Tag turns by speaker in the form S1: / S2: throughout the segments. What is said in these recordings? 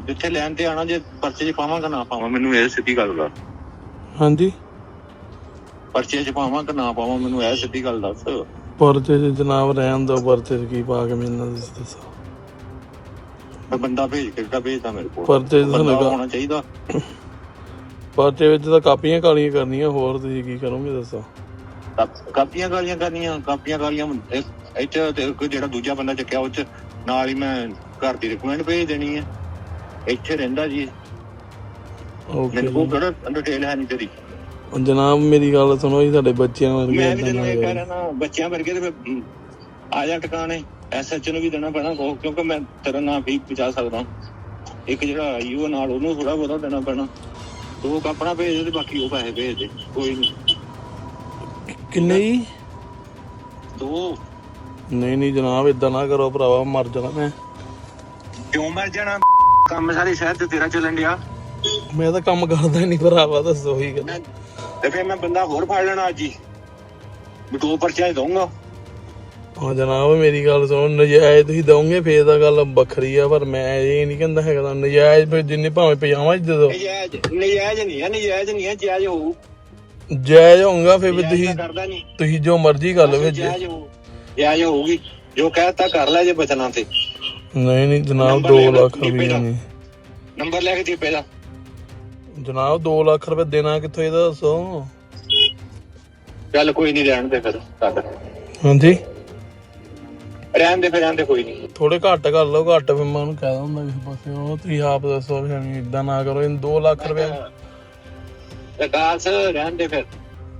S1: ਜਿੱਥੇ ਲੈਣ ਤੇ ਆਣਾ, ਜੇ ਪਰਚੇ 'ਚ ਪਾਵਾਂਗਾ ਨਾ ਪਾਵਾਂ, ਮੈਨੂੰ ਇਹ ਸਿੱਧੀ ਗੱਲ ਦੱਸ।
S2: ਹਾਂਜੀ,
S1: ਪਰਚੇ 'ਚ ਪਾਵਾਂ ਕਿ ਨਾ ਪਾਵਾਂ, ਮੈਨੂੰ ਇਹ ਸਿੱਧੀ ਗੱਲ ਦੱਸ।
S2: ਪਰਚੇ 'ਚ ਜਨਾਬ ਰਹਿਣ ਦੋ, ਪਰਚੇ 'ਚ ਕੀ ਪਾ ਕੇ ਮੈਨੂੰ ਦੱਸੋ।
S1: ਬੰਦਾ ਭੇਜ ਕੇ ਕਿਹੜਾ ਭੇਜਦਾ ਮੇਰੇ ਕੋਲ?
S2: ਪਰਚੇ 'ਚ
S1: ਬੰਦਾ ਹੋਣਾ ਚਾਹੀਦਾ।
S2: ਪਰਚੇ ਵਿੱਚ ਤਾਂ ਕਾਪੀਆਂ ਕਾਲੀਆਂ ਕਰਨੀਆਂ, ਹੋਰ ਤੁਸੀਂ ਕੀ ਕਰੋਗੇ ਦੱਸੋ।
S1: ਕਾਪੀਆਂ ਕਾਲੀਆਂ ਕਰਨੀਆਂ? ਕਾਪੀਆਂ ਕਾਲੀਆਂ ਇੱਥੇ ਤੇ ਕੋਈ ਜਿਹੜਾ ਦੂਜਾ ਬੰਦਾ ਚੱਕਿਆ ਉਹ 'ਚ ਨਾਲ ਹੀ ਮੈਂ ਘਰ ਦੀ ਰਿਕਮੈਂਡ ਭੇਜ ਦੇਣੀ ਹੈ। ਇੱਥੇ ਰਹਿੰਦਾ ਜੀ, ਮੇਰੇ ਕੋਲ ਕਿਹੜਾ ਡਿਟੇਲ ਹੈ ਨਹੀਂ ਤੇਰੀ।
S2: ਜਨਾਬ ਮੇਰੀ ਗੱਲ ਸੁਣੋ ਜੀ, ਸਾਡੇ ਬੱਚਿਆਂ ਵਰਗੇ
S1: ਮੈਂ ਵੀ ਤੈਨੂੰ ਇਹ ਕਹਿ ਰਿਹਾ ਨਾ, ਬੱਚਿਆਂ ਵਰਗੇ ਤੇ ਫਿਰ ਆ ਜਾ ਟਿਕਾਣੇ। SHO ਨੂੰ ਵੀ ਦੇਣਾ ਪੈਣਾ ਕਿਉਂਕਿ ਮੈਂ ਤੇਰਾ ਨਾਂ ਵੀ ਪਹੁੰਚਾ ਸਕਦਾ। ਇੱਕ ਜਿਹੜਾ IO ਨਾਲ ਉਹਨੂੰ ਥੋੜਾ ਬਹੁਤਾ ਦੇਣਾ ਪੈਣਾ। ਦੋ ਆਪਣਾ ਭੇਜ ਦੇ ਤੇ ਬਾਕੀ ਉਹ ਪੈਸੇ ਭੇਜ ਦੇ, ਕੋਈ ਨੀ।
S2: ਕਿੰਨੇ ਜੀ?
S1: ਦੋ।
S2: ਨਹੀਂ ਜਨਾਬ, ਏਦਾਂ ਨਾ ਕਰੋ ਭਰਾਵਾ, ਮਰ ਜਾਣਾ ਮੈਂ।
S1: ਕਿਉਂ ਮਰ ਜਾਣਾ? ਕੰਮ ਸਾਰੇ ਸ਼ਹਿਰ ਤੇ ਤੇਰਾ ਚੱਲਣ ਡਿਆ।
S2: ਮੈਂ ਤਾਂ ਕੰਮ ਕਰਦਾ ਨਹੀਂ ਭਰਾਵਾ, ਦੱਸੋ ਹੀ ਗੱਲ।
S1: ਤੇ ਫਿਰ ਮੈਂ ਬੰਦਾ ਹੋਰ ਫੜ ਲੈਣਾ ਅੱਜ ਹੀ, ਦੋ ਪਰਚੇ ਦਊਂਗਾ।
S2: ਹਾਂ ਜਨਾਬ ਮੇਰੀ ਗੱਲ ਸੁਣੋ, ਨਜਾਇਜ਼ ਤੁਸੀਂ ਦਓਗੇ ਫੇਰ ਤਾਂ ਗੱਲ ਵੱਖਰੀ ਆ, ਪਰ ਮੈਂ ਇਹ ਨਹੀਂ ਕਹਿੰਦਾ ਹੈਗਾ ਨਜਾਇਜ਼। ਫਿਰ ਜਿੰਨੇ ਭਾਵੇਂ ਪਜਾਮਾ ਜਦੋਂ
S1: ਨਜਾਇਜ਼ ਨਹੀਂ ਹੈ, ਨਜਾਇਜ਼ ਨਹੀਂ ਹੈ, ਜਾਇਜ਼ ਹੋਊ।
S2: ਜਾਇਜ਼ ਹੋਊਗਾ ਫਿਰ ਵੀ ਤੁਸੀਂ ਜੋ ਮਰਜ਼ੀ ਕਰ ਲਓ।
S1: ਜਾਇਜ਼ ਹੋਊਗੀ, ਜੋ ਕਹਿਤਾ ਕਰ ਲੈ ਜੇ ਬਚਣਾ ਤੇ।
S2: ਨਹੀਂ ਜਨਾਬ, 2 ਲੱਖ ਰੁਪਏ ਨਹੀਂ।
S1: ਨੰਬਰ ਲੈ ਕੇ ਜੀਪੇ ਦਾ।
S2: ਜਨਾਬ 2 ਲੱਖ ਰੁਪਏ ਦੇਣਾ ਕਿੱਥੋਂ, ਇਹਦਾ ਦੱਸੋ।
S1: ਚੱਲ ਕੋਈ ਨਹੀਂ, ਰਹਿਣ ਦੇ ਫਿਰ।
S2: ਹਾਂਜੀ
S1: ਰਹਿਣ ਦੇ ਕੋਈ ਨਹੀਂ।
S2: ਥੋੜੇ ਘੱਟ ਕਰ ਲਓ, ਘੱਟ ਫਿਰ ਮੈਂ ਉਹਨੂੰ ਕਹਿ ਦਿੰਦਾ ਕਿਸੇ ਪਾਸੇ। ਉਹ ਤੁਸੀਂ ਆਪ ਦੱਸੋ, ਏਦਾਂ ਨਾ ਕਰੋ। 2 ਲੱਖ ਰੁਪਏ
S1: ਰਹਿਣ ਦੇ ਫਿਰ।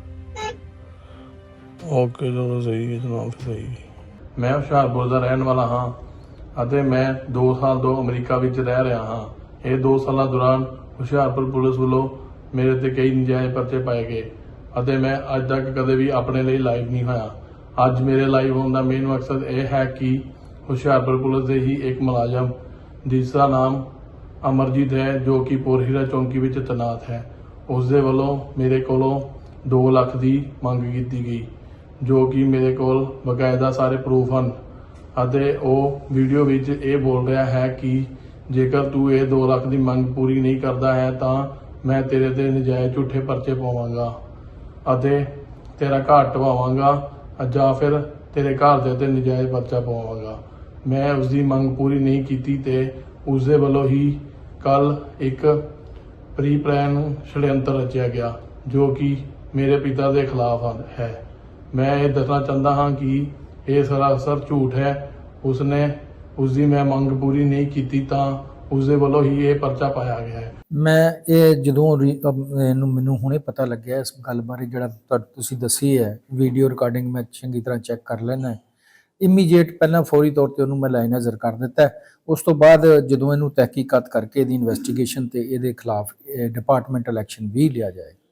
S2: ਓਕੇ ਚਲੋ ਸਹੀ ਹੈ ਜਨਾਬ, ਸਹੀ ਹੈ। ਮੈਂ ਹੁਸ਼ਿਆਰਪੁਰ ਦਾ ਰਹਿਣ ਵਾਲਾ ਹਾਂ ਅਤੇ ਮੈਂ 2 ਸਾਲ ਤੋਂ ਅਮਰੀਕਾ ਵਿੱਚ ਰਹਿ ਰਿਹਾ ਹਾਂ। ਇਹ 2 ਸਾਲਾਂ ਦੌਰਾਨ ਹੁਸ਼ਿਆਰਪੁਰ ਪੁਲਿਸ ਵੱਲੋਂ ਮੇਰੇ ਤੇ ਕਈ ਨਜਾਇਜ਼ ਪਰਚੇ ਪਾਏ ਗਏ ਅਤੇ ਮੈਂ ਅੱਜ ਤੱਕ ਕਦੇ ਵੀ ਆਪਣੇ ਲਈ ਲਾਈਵ ਨਹੀਂ ਹੋਇਆ। ਅੱਜ ਮੇਰੇ ਲਾਈਵ ਹੋਣ ਦਾ ਮੇਨ ਮਕਸਦ ਇਹ ਹੈ ਕਿ ਹੁਸ਼ਿਆਰਪੁਰ ਪੁਲਿਸ ਦੇ ਹੀ ਇੱਕ ਮੁਲਾਜ਼ਮ ਜਿਸ ਦਾ ਨਾਮ ਅਮਰਜੀਤ ਹੈ, ਜੋ ਕਿ ਪੋਰਹੀਰਾ ਚੌਂਕੀ ਵਿੱਚ ਤੈਨਾਤ ਹੈ, ਉਸ ਦੇ ਵੱਲੋਂ ਮੇਰੇ ਕੋਲੋਂ 2 ਲੱਖ ਦੀ ਮੰਗ ਕੀਤੀ ਗਈ, ਜੋ ਕਿ ਮੇਰੇ ਕੋਲ ਬਕਾਇਦਾ ਸਾਰੇ ਪ੍ਰੂਫ ਹਨ। ਅਤੇ ਉਹ ਵੀਡੀਓ ਵਿੱਚ ਇਹ ਬੋਲ ਰਿਹਾ ਹੈ ਕਿ ਜੇਕਰ ਤੂੰ ਇਹ 2 ਲੱਖ ਦੀ ਮੰਗ ਪੂਰੀ ਨਹੀਂ ਕਰਦਾ ਹੈ ਤਾਂ ਮੈਂ ਤੇਰੇ ਤੇ ਨਜਾਇਜ਼ ਝੂਠੇ ਪਰਚੇ ਪਾਵਾਂਗਾ ਅਤੇ ਤੇਰਾ ਘਰ ਢਵਾਵਾਂਗਾ ਜਾਂ ਫਿਰ ਤੇਰੇ ਘਰ ਦੇ ਤੇ ਨਜਾਇਜ਼ ਪਰਚਾ ਪਾਵਾਂਗਾ। ਮੈਂ ਉਸ ਦੀ ਮੰਗ ਪੂਰੀ ਨਹੀਂ ਕੀਤੀ ਤੇ ਉਸ ਦੇ ਵੱਲੋਂ ਹੀ ਕੱਲ ਇੱਕ ਪ੍ਰੀ ਪਲਾਨ ਛੜਯੰਤਰ ਰਚਿਆ ਗਿਆ, ਜੋ ਕਿ ਮੇਰੇ ਪਿਤਾ ਦੇ ਖਿਲਾਫ ਹੈ। ਮੈਂ ਇਹ ਦੱਸਣਾ ਚਾਹੁੰਦਾ ਹਾਂ ਕਿ ਇਹ ਸਰਾਸਰ ਝੂਠ ਹੈ। ਉਸਨੇ ਉਸ ਦੀ ਮੈਂ ਮੰਗ ਪੂਰੀ ਨਹੀਂ ਕੀਤੀ ਤਾਂ ਉਸ ਦੇ ਵੱਲੋਂ ਹੀ ਇਹ ਪਰਚਾ ਪਾਇਆ ਗਿਆ ਹੈ।
S3: ਮੈਂ ਇਹ ਜਦੋਂ ਮੈਨੂੰ ਹੁਣੇ ਪਤਾ ਲੱਗਿਆ ਇਸ ਗੱਲ ਬਾਰੇ, ਜਿਹੜਾ ਤੁਸੀਂ ਦੱਸੀ ਹੈ ਵੀਡੀਓ ਰਿਕਾਰਡਿੰਗ, ਮੈਂ ਚੰਗੀ ਤਰ੍ਹਾਂ ਚੈੱਕ ਕਰ ਲੈਣਾ। ਇਮੀਡੀਏਟ ਪਹਿਲਾਂ ਫੌਰੀ ਤੌਰ ਤੇ ਉਹਨੂੰ ਮੈਂ ਲਾਈਨ ਹਾਜ਼ਰ ਕਰ ਦਿੱਤਾ। ਉਸ ਤੋਂ ਬਾਅਦ ਜਦੋਂ ਇਹਨੂੰ ਤਹਿਕੀਕਾਤ ਕਰਕੇ ਇਹਦੀ ਇਨਵੈਸਟੀਗੇਸ਼ਨ ਤੇ ਇਹਦੇ ਖਿਲਾਫ ਡਿਪਾਰਟਮੈਂਟਲ ਐਕਸ਼ਨ ਵੀ ਲਿਆ ਜਾਏ।